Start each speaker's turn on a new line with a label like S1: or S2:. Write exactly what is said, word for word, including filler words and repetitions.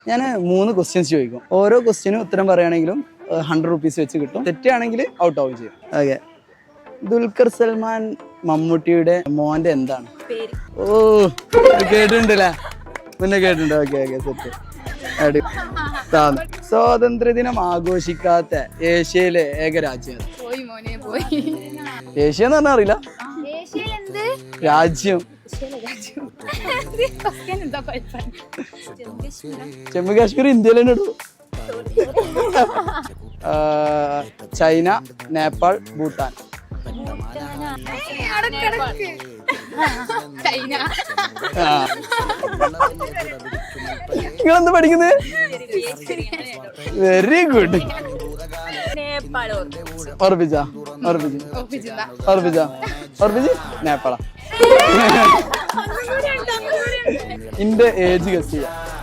S1: ഞാൻ മൂന്ന് ക്വസ്റ്റ്യൻസ് ചോദിക്കും. ഓരോ ക്വസ്റ്റ്യനും ഉത്തരം പറയുകയാണെങ്കിലും ഹൺഡ്രഡ് റുപ്പീസ് വെച്ച് കിട്ടും. തെറ്റാണെങ്കിൽ ഔട്ട് ആവുകയും ചെയ്യും. ഓക്കെ. ദുൽഖർ സൽമാൻ മമ്മൂട്ടിയുടെ മോന്റെ എന്താണ്? ഓ കേട്ടിട്ടുണ്ടല്ലേ? മുന്നേ കേട്ടിട്ടുണ്ട്. Okay okay set. അടി. സ്വാതന്ത്ര്യദിനം ആഘോഷിക്കാത്ത ഏഷ്യയിലെ ഏക രാജ്യം? ഏഷ്യ എന്ന് പറഞ്ഞാൽ അറിയില്ല. രാജ്യം ജമ്മു കാശ്മീർ ഇന്ത്യയിൽ തന്നെ ഇടൂ. ചൈന, നേപ്പാൾ, ഭൂട്ടാൻ. നിങ്ങളെന്താ പഠിക്കുന്നത്? Very good. ഓർപ്പിച്ച ഓർപ്പിച്ച് ഓർപ്പിച്ച ഓർപ്പിച്ച് നേപ്പാള. ഇന്റെ ഏജ് ഗസ് ചെയ്യാം.